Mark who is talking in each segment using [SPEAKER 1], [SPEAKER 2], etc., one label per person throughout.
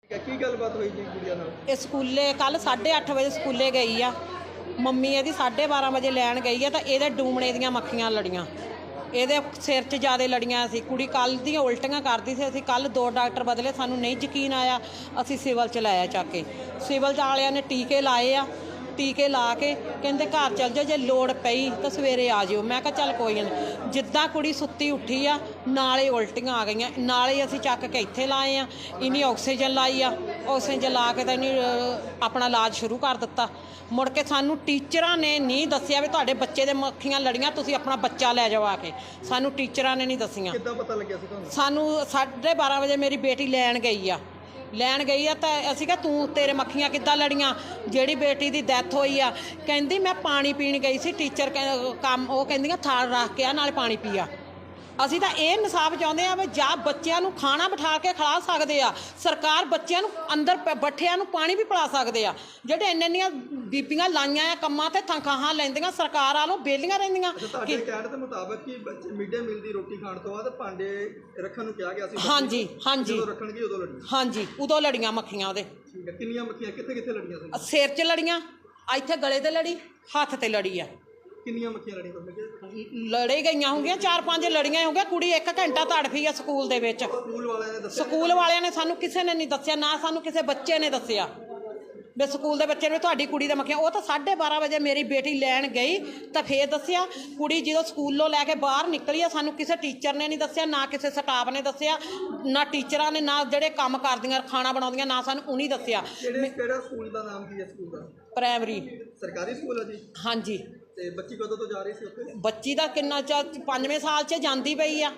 [SPEAKER 1] ਕੀ ਗੱਲਬਾਤ ਹੋਈ ਜੀ ਕੁੜੀਆਂ ਨਾਲ?
[SPEAKER 2] ਇਹ ਸਕੂਲੇ ਕੱਲ 8:30 ਵਜੇ ਸਕੂਲੇ ਗਈ ਆ। ਮੰਮੀ ਇਹਦੀ 12:30 ਵਜੇ ਲੈਣ ਗਈ ਆ ਤਾਂ ਇਹਦੇ ਡੂਮਣੇ ਦੀਆਂ ਮੱਖੀਆਂ ਲੜੀਆਂ, ਇਹਦੇ ਸਿਰ 'ਚ ਜ਼ਿਆਦਾ ਲੜੀਆਂ ਸੀ। ਕੁੜੀ ਕੱਲ੍ਹ ਦੀਆਂ ਉਲਟੀਆਂ ਕਰਦੀ ਸੀ। ਅਸੀਂ ਕੱਲ੍ਹ 2 ਡਾਕਟਰ ਬਦਲੇ, ਸਾਨੂੰ ਨਹੀਂ ਯਕੀਨ ਆਇਆ। ਅਸੀਂ ਸਿਵਲ 'ਚ ਲਾਇਆ ਚੱਕ ਕੇ। ਸਿਵਲ ਵਾਲਿਆਂ ਨੇ ਟੀਕੇ ਲਾਏ ਆ। ਟੀਕੇ ਲਾ ਕੇ ਕਹਿੰਦੇ ਘਰ ਚੱਲ ਜਾਓ, ਜੇ ਲੋੜ ਪਈ ਤਾਂ ਸਵੇਰੇ ਆ ਜਿਓ। ਮੈਂ ਕਿਹਾ ਚੱਲ ਕੋਈ ਨਹੀਂ। ਜਿੱਦਾਂ ਕੁੜੀ ਸੁੱਤੀ ਉੱਠੀ ਆ ਨਾਲੇ ਉਲਟੀਆਂ ਆ ਗਈਆਂ, ਨਾਲੇ ਅਸੀਂ ਚੱਕ ਕੇ ਇੱਥੇ ਲਾਏ ਆ। ਇਹਨੇ ਆਕਸੀਜਨ ਲਾਈ ਆ। ਆਕਸੀਜਨ ਲਾ ਕੇ ਤਾਂ ਇਹਨੇ ਆਪਣਾ ਇਲਾਜ ਸ਼ੁਰੂ ਕਰ ਦਿੱਤਾ। ਮੁੜ ਕੇ ਸਾਨੂੰ ਟੀਚਰਾਂ ਨੇ ਨਹੀਂ ਦੱਸਿਆ ਵੀ ਤੁਹਾਡੇ ਬੱਚੇ ਦੇ ਮੱਖੀਆਂ ਲੜੀਆਂ, ਤੁਸੀਂ ਆਪਣਾ ਬੱਚਾ ਲੈ ਜਾਓ ਆ ਕੇ। ਸਾਨੂੰ ਟੀਚਰਾਂ ਨੇ ਨਹੀਂ ਦੱਸੀਆਂ।
[SPEAKER 1] ਕਿੱਦਾਂ ਪਤਾ ਲੱਗਿਆ ਸੀ ਤੁਹਾਨੂੰ?
[SPEAKER 2] ਸਾਨੂੰ 12:30 ਵਜੇ ਮੇਰੀ ਬੇਟੀ ਲੈਣ ਗਈ ਆ ਤਾਂ ਅਸੀਂ ਕਿਹਾ ਤੂੰ ਤੇਰੇ ਮੱਖੀਆਂ ਕਿੱਦਾਂ ਲੜੀਆਂ? ਜਿਹੜੀ ਬੇਟੀ ਦੀ ਡੈਥ ਹੋਈ ਆ ਕਹਿੰਦੀ ਮੈਂ ਪਾਣੀ ਪੀਣ ਗਈ ਸੀ, ਟੀਚਰ ਕੰਮ ਉਹ ਕਹਿੰਦੀਆਂ ਥਾਲ ਰੱਖ ਕੇ ਆ ਨਾਲੇ ਪਾਣੀ ਪੀਆ। ਅਸੀਂ ਤਾਂ ਇਹ ਇਨਸਾਫ ਚਾਹੁੰਦੇ ਆ ਵੀ ਜਾਂ ਬੱਚਿਆਂ ਨੂੰ ਖਾਣਾ ਬਿਠਾ ਕੇ ਖਿਲਾ ਸਕਦੇ ਆ, ਸਰਕਾਰ ਬੱਚਿਆਂ ਨੂੰ ਅੰਦਰ ਬੱਠਿਆਂ ਨੂੰ ਪਾਣੀ ਵੀ ਪਿਲਾ ਸਕਦੇ ਆ। ਜਿਹੜੇ ਇੰਨੀਆਂ ਬੀਬੀਆਂ ਲਾਈਆਂ ਆ ਕੰਮਾਂ ਤੇ ਤਨਖਾਹਾਂ ਲੈਂਦੀਆਂ ਸਰਕਾਰ ਵਾਲੋਂ ਬੇਲੀਆਂ ਰਹਿੰਦੀਆਂ।
[SPEAKER 1] ਤੁਹਾਡੇ ਕਹਿਣ ਦੇ ਮੁਤਾਬਕ ਕਿ ਬੱਚੇ ਮਿਡ ਡੇ ਮੀਲ ਦੀ ਰੋਟੀ ਖਾਣ ਤੋਂ ਬਾਅਦ ਭਾਂਡੇ ਰੱਖਣ ਨੂੰ ਕਿਹਾ ਗਿਆ ਸੀ।
[SPEAKER 2] ਹਾਂਜੀ
[SPEAKER 1] ਜਦੋਂ ਰੱਖਣਗੇ ਉਦੋਂ ਲੜੀਆਂ?
[SPEAKER 2] ਹਾਂਜੀ, ਉਦੋਂ ਲੜੀਆਂ ਮੱਖੀਆਂ ਉਹਦੇ।
[SPEAKER 1] ਠੀਕ ਹੈ। ਕਿੰਨੀਆਂ ਮੱਖੀਆਂ ਕਿੱਥੇ ਲੜੀਆਂ ਸੀ?
[SPEAKER 2] ਸਿਰ 'ਚ ਲੜੀਆਂ, ਇੱਥੇ ਗਲੇ ਤੇ ਲੜੀ, ਹੱਥ ਤੇ ਲੜੀ ਆ।
[SPEAKER 1] ਕਿੰਨੀਆਂ ਮੱਖੀਆਂ ਲੜੀਆਂ ਤੁਹਾਨੂੰ?
[SPEAKER 2] ਲੜੇ ਗਈਆਂ ਹੋਣਗੀਆਂ 4-5 ਲੜੀਆਂ ਹੋਣਗੀਆਂ। ਕੁੜੀ 1 ਘੰਟਾ ਤੜਫੀ ਆ ਸਕੂਲ ਦੇ ਵਿੱਚ। ਸਕੂਲ ਵਾਲਿਆਂ ਨੇ ਸਾਨੂੰ ਕਿਸੇ ਨੇ ਨਹੀਂ ਦੱਸਿਆ, ਨਾ ਸਾਨੂੰ ਕਿਸੇ ਬੱਚੇ ਨੇ ਦੱਸਿਆ ਵੀ ਸਕੂਲ ਦੇ ਬੱਚੇ ਨੇ ਤੁਹਾਡੀ ਕੁੜੀ ਦਾ ਮੱਖੀਆਂ। ਉਹ ਤਾਂ 12:30 ਵਜੇ ਮੇਰੀ ਬੇਟੀ ਲੈਣ ਗਈ ਤਾਂ ਫੇਰ ਦੱਸਿਆ। ਕੁੜੀ ਜਦੋਂ ਸਕੂਲੋਂ ਲੈ ਕੇ ਬਾਹਰ ਨਿਕਲੀ ਆ ਸਾਨੂੰ ਕਿਸੇ ਟੀਚਰ ਨੇ ਨਹੀਂ ਦੱਸਿਆ, ਨਾ ਕਿਸੇ ਸਟਾਫ ਨੇ ਦੱਸਿਆ, ਨਾ ਟੀਚਰਾਂ ਨੇ, ਨਾ ਜਿਹੜੇ ਕੰਮ ਕਰਦੀਆਂ ਖਾਣਾ ਬਣਾਉਂਦੀਆਂ, ਨਾ ਸਾਨੂੰ ਉਹਨੇ ਦੱਸਿਆ।
[SPEAKER 1] ਕਿਹੜਾ ਸਕੂਲ ਦਾ ਨਾਮ ਕੀ ਹੈ ਸਕੂਲ ਦਾ?
[SPEAKER 2] ਪ੍ਰਾਇਮਰੀ
[SPEAKER 1] ਸਰਕਾਰੀ ਸਕੂਲ ਹੈ ਜੀ?
[SPEAKER 2] ਹਾਂਜੀ।
[SPEAKER 1] ਤੇ ਬੱਚੀ ਕਦੋਂ ਤੋਂ ਜਾ ਰਹੀ ਸੀ ਉੱਥੇ?
[SPEAKER 2] ਬੱਚੀ ਦਾ ਕਿੰਨਾ 5ਵੇਂ ਸਾਲ 'ਚ ਜਾਂਦੀ ਪਈ ਆ।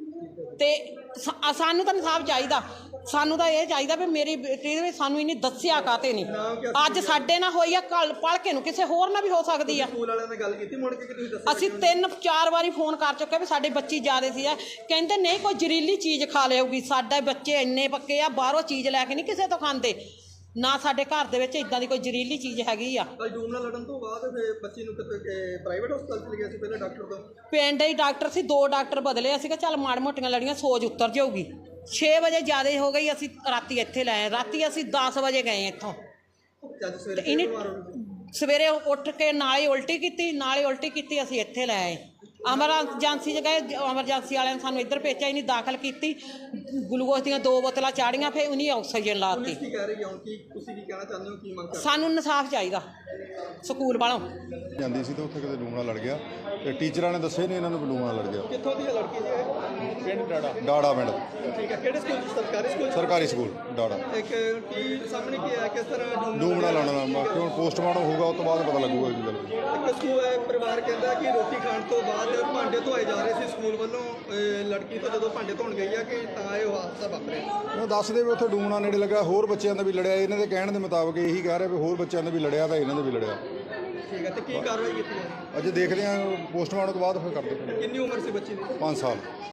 [SPEAKER 2] ਤੇ ਸਾਨੂੰ ਤਾਂ ਇਨਸਾਫ ਚਾਹੀਦਾ। ਸਾਨੂੰ ਤਾਂ ਇਹ ਚਾਹੀਦਾ ਵੀ ਮੇਰੀ ਬੇਟੀ ਦੇ ਵਿੱਚ ਸਾਨੂੰ ਇਹਨੇ ਦੱਸਿਆ ਕਾਤੇ ਨਹੀਂ। ਅੱਜ ਸਾਡੇ ਨਾਲ ਹੋਈ ਆ, ਕੱਲ ਪੜ੍ਹ ਕੇ ਨੂੰ ਕਿਸੇ ਹੋਰ ਨਾਲ ਵੀ ਹੋ ਸਕਦੀ ਆ।
[SPEAKER 1] ਸਕੂਲ ਵਾਲਿਆਂ ਨੇ ਗੱਲ ਕੀਤੀ ਮੁੜ ਕੇ ਕਿ ਤੁਸੀਂ ਦੱਸਿਆ?
[SPEAKER 2] ਅਸੀਂ 3-4 ਵਾਰੀ ਫੋਨ ਕਰ ਚੁੱਕੇ ਵੀ ਸਾਡੇ ਬੱਚੀ ਜਾ ਰਹੀ ਸੀ ਆ। ਕਹਿੰਦੇ ਨਹੀਂ ਕੋਈ ਜ਼ਹਿਰੀਲੀ ਚੀਜ਼ ਖਾ ਲਿਆਊਗੀ। ਸਾਡੇ ਬੱਚੇ ਇੰਨੇ ਪੱਕੇ ਆ, ਬਾਹਰੋਂ ਚੀਜ਼ ਲੈ ਕੇ ਨਹੀਂ ਕਿਸੇ ਤੋਂ ਖਾਂਦੇ, ਨਾ ਸਾਡੇ ਘਰ ਦੇ ਵਿੱਚ ਇਦਾਂ ਦੀ ਕੋਈ ਜ਼ਹਿਰੀਲੀ ਚੀਜ਼ ਹੈਗੀ ਆ।
[SPEAKER 1] ਡੂਮ ਨਾਲ ਲੜਨ ਤੋਂ ਬਾਅਦ ਫਿਰ ਬੱਚੀ ਨੂੰ ਕਿਤੇ ਪ੍ਰਾਈਵੇਟ ਹਸਪਤਾਲ ਚ ਲਿਆ ਸੀ ਪਹਿਲੇ ਡਾਕਟਰ ਤੋਂ?
[SPEAKER 2] ਪਿੰਡ ਹੀ ਡਾਕਟਰ ਸੀ, 2 ਡਾਕਟਰ ਬਦਲੇ। ਅਸੀਂ ਕਿਹਾ ਚੱਲ ਮਾੜ ਮੋਟੀਆਂ ਲੜੀਆਂ ਸੋਜ ਉਤਰ ਜਾਊਗੀ। 6 ਵਜੇ ਜ਼ਿਆਦਾ ਹੋ ਗਈ, ਅਸੀਂ ਰਾਤੀ ਇੱਥੇ ਲਾਏ। ਰਾਤੀ ਅਸੀਂ 10 ਵਜੇ ਗਏ ਇੱਥੋਂ। ਸਵੇਰੇ ਉੱਠ ਕੇ ਨਾਲੇ ਉਲਟੀ ਕੀਤੀ, ਅਸੀਂ ਇੱਥੇ ਲੈ ਆਏ। ਐਮਰਜੈਂਸੀ 'ਚ ਗਏ, ਐਮਰਜੈਂਸੀ ਵਾਲਿਆਂ ਨੇ ਸਾਨੂੰ ਇੱਧਰ ਭੇਜਿਆ। ਇਹਨੇ ਦਾਖਲ ਕੀਤੀ, ਗਲੂਕੋਜ਼ ਦੀਆਂ 2 ਬੋਤਲਾਂ ਚਾੜੀਆਂ, ਫਿਰ ਉਹਨੇ ਆਕਸੀਜਨ ਲਾਤੀ।
[SPEAKER 1] ਕੀ ਕਹਿ ਰਹੀ ਹੋ ਕਿ ਤੁਸੀਂ ਕੀ ਕਹਿਣਾ ਚਾਹੁੰਦੇ ਹੋ, ਕੀ ਮੰਗ ਕਰਦੇ?
[SPEAKER 2] ਸਾਨੂੰ ਇਨਸਾਫ ਚਾਹੀਦਾ ਸਕੂਲ ਵਾਲੋਂ।
[SPEAKER 3] ਜਾਂਦੀ ਸੀ ਤਾਂ ਉੱਥੇ ਕਿਤੇ ਡੂਮ ਨਾਲ ਲੜ ਗਿਆ ਤੇ ਟੀਚਰਾਂ ਨੇ ਦੱਸੇ ਨਹੀਂ ਇਹਨਾਂ ਨੂੰ ਡੂਮ ਨਾਲ ਲੜ ਗਿਆ।
[SPEAKER 1] ਕਿੱਥੋਂ ਦੀ ਲੜਕੀ ਜੀ ਇਹ? ਪਿੰਡ
[SPEAKER 3] ਡਾੜਾ ਪਿੰਡ।
[SPEAKER 1] ਠੀਕ ਹੈ। ਕਿਹੜੇ ਸਕੂਲ? ਸਰਕਾਰੀ ਸਕੂਲ?
[SPEAKER 3] ਸਰਕਾਰੀ ਸਕੂਲ ਡਾੜਾ।
[SPEAKER 1] ਇੱਕ ਕੀ ਸਾਹਮਣੇ ਕੀ ਹੈ, ਕਿਸ ਤਰ੍ਹਾਂ
[SPEAKER 3] ਡੂਮ ਨਾਲ ਲਾਉਣਾ? ਬਾਕੀ ਹੁਣ ਪੋਸਟਮਾਰਟਮ ਹੋਊਗਾ, ਉਸ ਤੋਂ ਬਾਅਦ ਪਤਾ ਲੱਗੂਗਾ ਕੀ ਗੱਲ।
[SPEAKER 1] ਇੱਕ ਸਕੂਲ ਪਰਿਵਾਰ ਕਹਿੰਦਾ ਕਿ ਰੋਟੀ ਖਾਣ ਤੋਂ ਬਾਅਦ ਭਾਂਡੇ ਧੋਏ ਜਾ ਰਹੇ ਸੀ ਸਕੂਲ ਵੱਲੋਂ। ਲੜਕੀ ਤੋਂ ਜਦੋਂ ਭਾਂਡੇ ਧੋਣ ਗਈ ਆ ਕਿ ਤਾਂ ਇਹ ਹਾਦਸਾ ਵਾਪਰਿਆ।
[SPEAKER 3] ਉਹ ਦੱਸਦੇ ਵੀ ਉੱਥੇ ਡੂਮ ਨਾਲ ਨੇੜੇ ਲੱਗਾ, ਹੋਰ ਬੱਚਿਆਂ ਦਾ ਵੀ ਲੜਿਆ। ਇਹਨਾਂ ਦੇ ਕਹਿਣ ਦੇ ਮੁਤਾਬਕ ਇਹੀ ਕਹਿ ਰਿਹਾ ਵੀ ਹੋਰ ਬੱਚਿਆਂ ਦਾ ਵੀ ਲੜਿਆ ਤਾਂ ਇਹਨਾਂ ਦਾ ਵੀ ਲੜਿਆ।
[SPEAKER 1] ਠੀਕ ਹੈ। ਤੇ ਕੀ ਕਾਰਵਾਈ ਕੀਤੀ ਹੈ?
[SPEAKER 3] ਅਜੇ ਦੇਖਦੇ ਹਾਂ, ਪੋਸਟਮਾਰਟਮ ਤੋਂ ਬਾਅਦ ਫਿਰ ਕਰਦੇ।
[SPEAKER 1] ਕਿੰਨੀ ਉਮਰ ਸੀ ਬੱਚੀ ਦੀ?
[SPEAKER 3] 5 ਸਾਲ।